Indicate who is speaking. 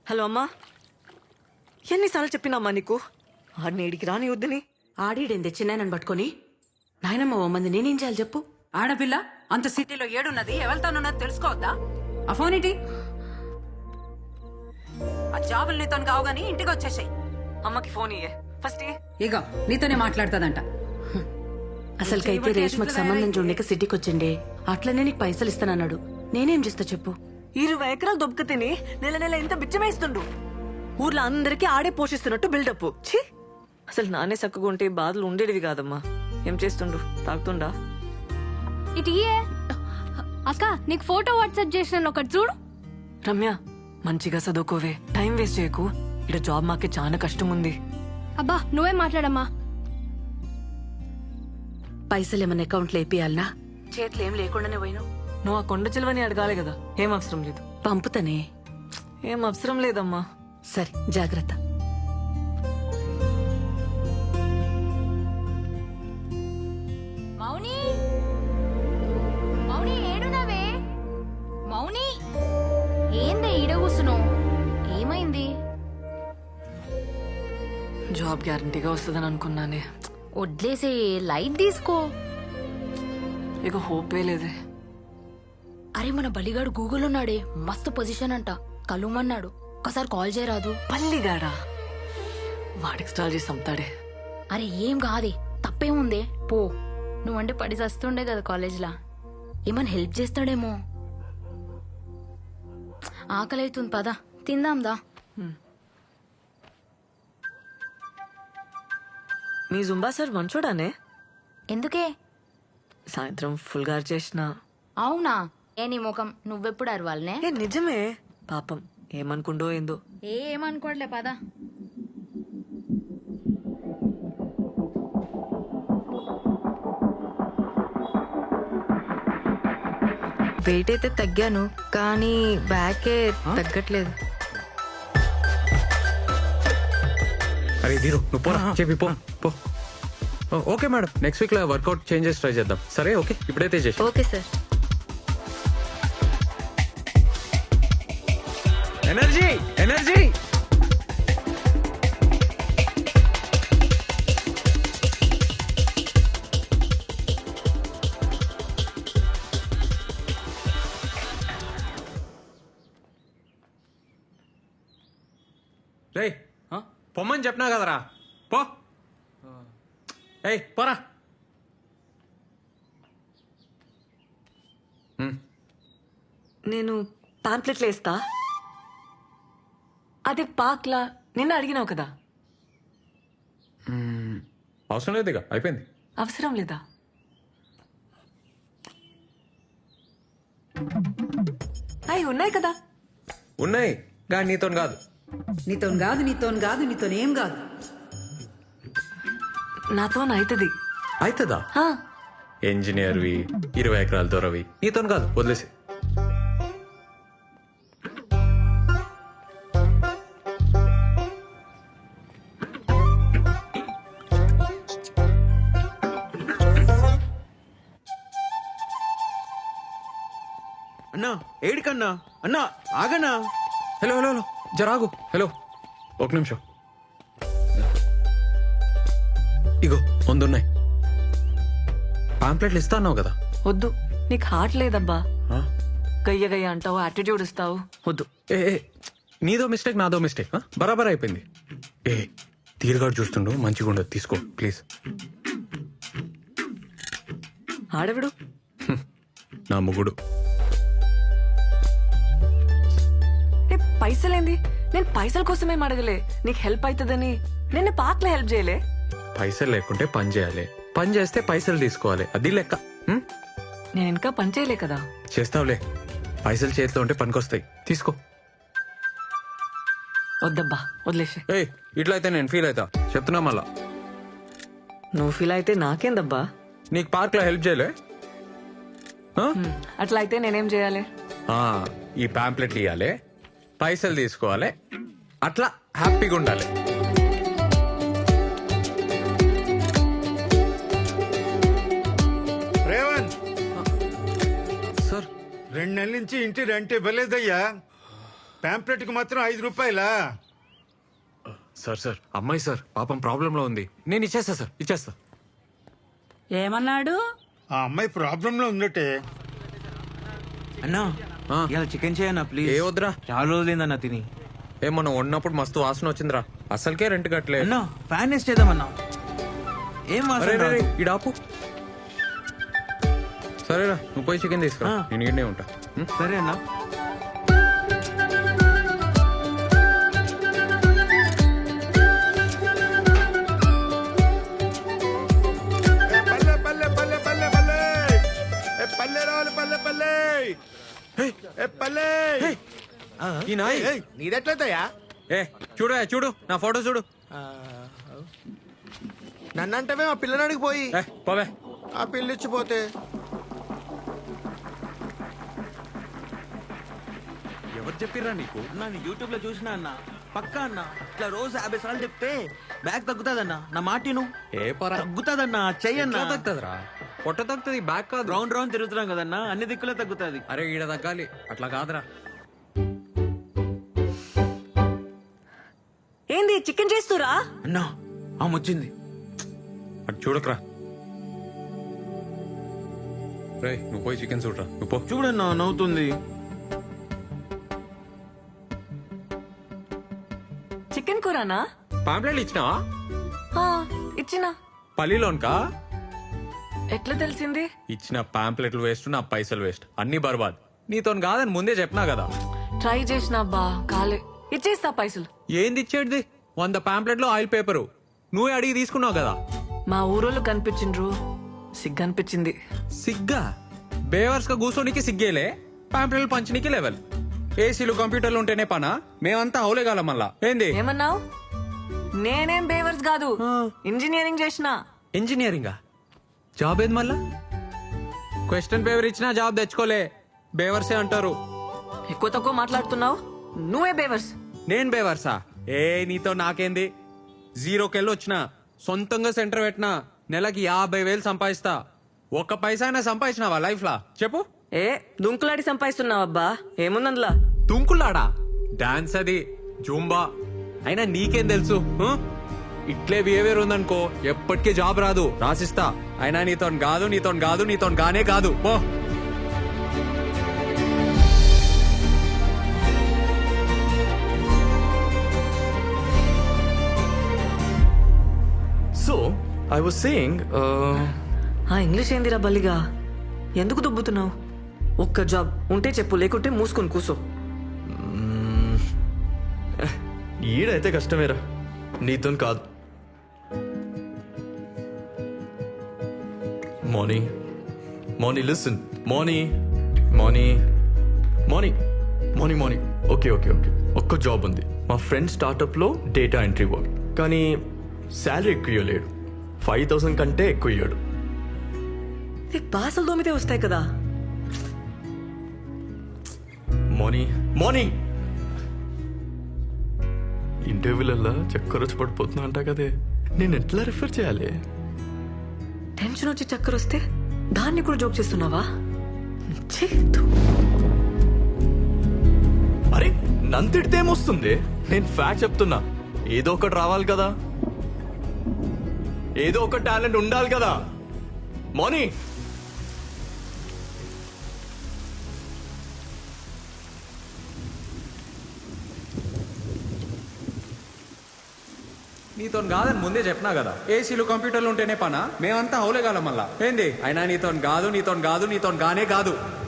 Speaker 1: Hello అమ్మా, ఎన్నిసార్లు చెప్పినామ్మా నీకు ఆడిని ఏడికి రాని వద్దని?
Speaker 2: ఆడీడేందే చిన్నాయనని పట్టుకొని నాయనమ్మ ఓ మంది నేనేం చేయాలి చెప్పు?
Speaker 3: ఆడపిల్ల అంత సిటీలో ఏడున్నది ఎవరితోనున్నది తెలుసుకోవద్దా? ఆ ఫోన్ ఏంటి? ఆ జాబులు నీతో కావు గానీ ఇంటికి వచ్చేసాయి.
Speaker 1: అమ్మకి ఫోన్ ఇయ్యే ఫస్ట్.
Speaker 3: ఇగో నీతోనే మాట్లాడుతుందంట.
Speaker 2: అసలుకైతే రేష్మకి సంబంధం చూడక సిటీకి వచ్చిండే, అట్లనే నీకు పైసలు ఇస్తానన్నాడు. నేనేం చేస్తా చెప్పు?
Speaker 1: 20 ఎకరాలు దొబ్బక తిని నెల నెల ఇంత బిచ్చమేస్తుండు. ఊర్లో అందరికీ ఆడే పోషిస్తున్నట్టు బిల్డప్. ఛీ, అసలు నానే చక్కగా ఉంటే బాధలు ఉండేటివి కాదమ్మా. ఏం చేస్తుండు? తాగుతుండా?
Speaker 4: ఇటు ఇయ్యే. అక్క నీకు ఫోటో వాట్సాప్ చేసిన ఒకటి చూడు.
Speaker 1: రమ్య, మంచిగా చదువుకోవే, టైం వేస్ట్ చేయకు. ఇక్కడ జాబ్ మాకే చాలా కష్టం ఉంది.
Speaker 4: అబ్బా నువ్వే మాట్లాడమ్మా.
Speaker 2: పైసలు ఏమన్నా అకౌంట్లో వేపియాలనా? చేతులు ఏం లేకుండానే పోయినావు.
Speaker 1: నువ్వు ఆ కొండ చిలువని అడగాలి కదా. ఏం అవసరం లేదు.
Speaker 2: పంపుతానే.
Speaker 1: ఏం అవసరం లేదమ్మా.
Speaker 2: సరే జాగ్రత్త.
Speaker 4: మౌని, మౌని ఏడునవే? మౌని ఏందే ఈడ కూసును? ఏమైంది?
Speaker 1: జాబ్ గ్యారంటీగా వస్తుందని అనుకున్నానే.
Speaker 4: వడ్లేసే, లైట్ తీసుకో.
Speaker 1: ఇక హోపే లేదే.
Speaker 4: అరే మన బలిగాడు గూగుల్ ఉన్నాడే, మస్తు పొజిషన్ అంట, కలుమన్నాడు. ఒకసారి కాల్ చేయరాదు?
Speaker 1: పల్లిగాడా? వాడికి స్టాల్ చేసి అమ్ముతాడే.
Speaker 4: అరే ఏం కాదే, తప్పేముందే, పో. నువ్వంటే పడి చస్తుండే కదా కాలేజ్లా, ఏమన్నా హెల్ప్ చేస్తాడేమో. ఆకలి అవుతుంది, పద తిందాందా.
Speaker 1: మీ జుంబా సార్ మంచోడానే?
Speaker 4: ఎందుకే?
Speaker 1: సాయంత్రం ఫుల్ గారు చేసిన.
Speaker 4: అవునా? ఏ నీ ముఖం, నువ్వెప్పుడు అరవాలనే?
Speaker 1: ఏ నిజమే, పాపం ఏమనుకుండో ఏందో.
Speaker 4: ఏమనుకోవట్లే, పద.
Speaker 5: వెయిట్ అయితే తగ్గాను, కానీ బ్యాకే తగ్గట్లేదు.
Speaker 6: అరే దీరు, నువ్వు పోరా, చెప్పి పో పో. ఓకే మేడం, నెక్స్ట్ వీక్ లో వర్కౌట్ చేంజెస్ ట్రై చేద్దాం. సరే ఓకే, ఇప్పుడైతే చేసి.
Speaker 5: Okay sir.
Speaker 6: Energy energy. రేయ్, పొమ్మని చెప్పినా కదరా, పో. ఏయ్ పోరా.
Speaker 1: నేను పాంప్లెట్లు వేస్తా. అదే పాక్లా నిన్న అడిగినావు కదా.
Speaker 6: అవసరం లేదు, ఇక అయిపోయింది.
Speaker 1: అవసరం లేదా? అవి ఉన్నాయి కదా.
Speaker 6: ఉన్నాయి, కానీ నీతో కాదు.
Speaker 3: నీతోనేం కాదు.
Speaker 1: నాతో అవుతుంది.
Speaker 6: అవుతుందా? ఇంజనీర్వి, 20 ఎకరాల దొరవి, నీతో కాదు, వదిలేసి.
Speaker 7: అన్నా ఏడికన్నా? అన్నా ఆగన్నా.
Speaker 6: హలో హలో హలో, జరాగు. హలో, ఒక నిమిషం. ఇగో ముందున్నాయి పాంప్లెట్లు. ఇస్తా అన్నావు కదా.
Speaker 1: వద్దు, నీకు హార్ట్ లేదబ్బా.
Speaker 6: ఆ?
Speaker 1: గయ్య గయ్య అంటావు, యాటిట్యూడ్ ఇస్తావు. వద్దు.
Speaker 6: ఏ ఏ, నీదో మిస్టేక్ నాదో మిస్టేక్, బరాబర్ అయిపోయింది. ఏ తీరుగాడు చూస్తుండు, మంచిగా ఉండదు, తీసుకో ప్లీజ్.
Speaker 1: ఆడవిడు
Speaker 6: నా ముగుడు.
Speaker 1: పైసలేంది? నేను పైసల కోసమేం అడగలే, నీకు హెల్ప్ అవుతుందని. నిన్న పాక్లో హెల్ప్ చేయలే.
Speaker 6: పైసలు లేకుంటే పని చేయాలి, పని చేస్తే పైసలు తీసుకోవాలి, అది లెక్క.
Speaker 1: నేను ఇంకా పని చేయలే కదా.
Speaker 6: చేస్తావులే, పైసలు చేతిలో ఉంటే పనికొస్తాయి, తీసుకో.
Speaker 1: వద్దబ్బా, వదిలేసే.
Speaker 6: ఏయ్ ఇట్లా అయితే నేను ఫీల్ అవుతా, చెప్తున్నా మళ్ళా.
Speaker 1: నువ్వు ఫీల్ అయితే నాకేందబ్బా.
Speaker 6: నీకు పార్క్ లో హెల్ప్ చేయలే?
Speaker 1: అట్లా అయితే నేనేం చేయాలి?
Speaker 6: ఈ పాంప్లెట్లు ఇవ్వాలి, పైసలు తీసుకోవాలి, అట్లా హ్యాపీగా ఉండాలి.
Speaker 7: రేవంత్
Speaker 6: సార్
Speaker 7: 2 నెలల నుంచి ఇంటి రెంట్ ఇవ్వలేదయ్యా.
Speaker 8: పాంప్లెట్ కి మాత్రం 5 రూపాయలా?
Speaker 6: సార్ అమ్మాయి సార్ పాపం ప్రాబ్లంలో ఉంది. నేను ఇచ్చేస్తా సార్, ఇచ్చేస్తా.
Speaker 3: ఏమన్నాడు?
Speaker 8: ఆ అమ్మాయి ప్రాబ్లం లో ఉందటే.
Speaker 7: అన్నా
Speaker 6: ఆ.
Speaker 7: ఇలా చికెన్ చేయన్నా ప్లీజ్.
Speaker 6: ఏ వద్దురా.
Speaker 7: చాలా రోజులైందన్నా తిని.
Speaker 6: మనం వండినప్పుడు మస్తు వాసన వచ్చిందిరా. అసలుకే రెంట్ కట్టలే.
Speaker 7: అన్నా ఫ్యాన్ వేస్ట్ చేద్దామన్నా. ఏం
Speaker 6: అరే
Speaker 7: వాసన
Speaker 6: రే, రే,
Speaker 7: రాదు.
Speaker 6: ఈడ ఆపు. సరేరా, నువ్వు పోయి చికెన్ తీసుకురా.
Speaker 7: ఆ.
Speaker 6: నేను ఈడనే ఉంటా.
Speaker 7: సరే అన్నా.
Speaker 8: పల్లె పల్లె పల్లె పల్లె పల్లె ఏ పల్లె రావాలి పల్లె పల్లె ఏ పల్లె.
Speaker 6: ఈ నాయ్
Speaker 9: నీదెట్లయితయా?
Speaker 6: చూడు నా ఫోటో చూడు.
Speaker 9: నన్నంటవే మా పిల్లనాడికి పోయి
Speaker 6: పోవే.
Speaker 9: ఆ పిల్లిచ్చిపోతే
Speaker 6: ఎవరు చెప్పిర్రా నీకు?
Speaker 7: అన్నా నేను యూట్యూబ్ లో చూసినా అన్న. పక్కా అన్న ఇట్లా రోజు 50 సార్లు చెప్తే బ్యాగ్ తగ్గుతాదన్నా. నా మాటిను
Speaker 6: ఏ పరా
Speaker 7: తగ్గుతాదన్నా. చెయ్యన్నా.
Speaker 6: తగ్గుతుందిరా. పొట్ట తగ్గుతుంది, బ్యాక్ కాదు.
Speaker 7: రౌండ్ రౌండ్ తిరుగుతున్నాం కదన్నా, అన్ని దిక్కులే తగ్గుతాది.
Speaker 6: అరే ఈడ తగ్గాలి, అట్లా కాదురా.
Speaker 1: ఏంది చికెన్ చేస్తురా?
Speaker 7: అన్నా ఆమె వచ్చింది.
Speaker 6: అటు చూడకరా. రే నువ్వు పోయి చికెన్ చూడరా. నువ్వు పో.
Speaker 7: చూడన్నా నవ్వుతుంది.
Speaker 1: చికెన్ కూరనా?
Speaker 6: పాంప్లెట్లు ఇచ్చినావా?
Speaker 1: ఆ, ఇచ్చినా.
Speaker 6: పల్లిలోన్కా?
Speaker 1: ఎట్లా తెలిసింది?
Speaker 6: ఇచ్చిన పాంప్లెట్లు వేస్ట్, నా పైసలు వేస్ట్, అన్ని బర్బాద్. నీతో కాదని ముందే చెప్పినా కదా.
Speaker 1: ట్రై చేసినా బా కాలే. ఇచ్చేస్తా పైసలు.
Speaker 6: ఏంది ఇచ్చేటిది? 100 పాంప్లెట్లు ఆయిల్ పేపరు నువ్వే అడిగి తీసుకున్నావు కదా.
Speaker 1: మా ఊరోళ్ళు కనిపించిండ్రు, సిగ్గు అనిపించింది.
Speaker 6: సిగ్గా? బేవర్స్ గా కూర్చోనికి సిగ్గేలే, పాంప్లెట్లు పంచనీకి లెవెల్. ఏసీలు కంప్యూటర్లు ఉంటేనే పనా? మేమంతా హౌలేగాల మళ్ళా. ఏంది
Speaker 1: ఏమన్నావు? నేనేం బేవర్స్ కాదు, ఇంజనీరింగ్ చేసిన.
Speaker 6: ఇంజనీరింగా? జాబ్ ఏది మళ్ళా? క్వశ్చన్ పేపర్ ఇచ్చినా జాబ్ తెచ్చుకోలే, బేవర్సే అంటారు.
Speaker 1: ఎక్కువ తక్కువ మాట్లాడుతున్నావు, నువ్వే బేవర్స్.
Speaker 6: నేను బేవర్సా? ఏ నీతో నాకేంది? 0కెళ్ళి వచ్చిన, సొంతంగా సెంటర్ పెట్టినా, నెలకి 50,000 సంపాదిస్తా. ఒక్క పైసా అయినా సంపాదించినావా లైఫ్ లా? చెప్పు.
Speaker 1: ఏ దుంకులాడి సంపాదిస్తున్నావబ్బా, ఏముందందులా?
Speaker 6: తుంకులాడా? డాన్స్ అది, జూంబా. అయినా నీకేం తెలుసు? ఇట్లే బిహేవియర్ ఉందనుకో ఎప్పటికీ జాబ్ రాదు, రాసిస్తా. అయినా నీతో కాదు గానే కాదు. పో.
Speaker 10: So, I was saying,
Speaker 1: ఆ ఇంగ్లీష్ ఏందిరా బల్లిగా? ఎందుకు దుబ్బుతున్నావు? ఒక్క జాబ్ ఉంటే చెప్పు, లేకుంటే మూసుకొని కూసో.
Speaker 10: ఈడైతే కష్టమేరా, నీతో కాదు. మార్నీ లిసన్. మార్నీ ఓకే. ఒక్క జాబ్ ఉంది, మా ఫ్రెండ్ స్టార్ట్అప్ లో డేటా ఎంట్రీ వర్క్. కానీ శాలరీ ఎక్కువ ఇవ్వలేడు, 5,000 కంటే ఎక్కువ ఇయ్యాడు.
Speaker 1: నీకు బాసలు దోమితే వస్తాయి కదా.
Speaker 10: మార్నీ ఇంటర్వ్యూలల్లా చక్కర వచ్చి పడిపోతున్నా అంట కదే, నేను ఎట్లా రిఫర్ చేయాలి?
Speaker 1: టెన్షన్ వచ్చి చక్కర వస్తే దాన్ని కూడా జోక్ చేస్తున్నావా? ఛీ, ధూ.
Speaker 10: అరే నన్ను తిడితే ఏమొస్తుంది? నేను ఫ్యాక్ట్ చెప్తున్నా. ఏదో ఒకటి రావాలి కదా, ఏదో ఒక టాలెంట్ ఉండాలి కదా. మార్నీ
Speaker 6: నీతో కాదని ముందే చెప్పినా కదా. ఏసీలు కంప్యూటర్లు ఉంటేనే పనా? మేమంతా హౌలేగాల మళ్ళా. ఏంది? అయినా నీతో కాదు గానే కాదు.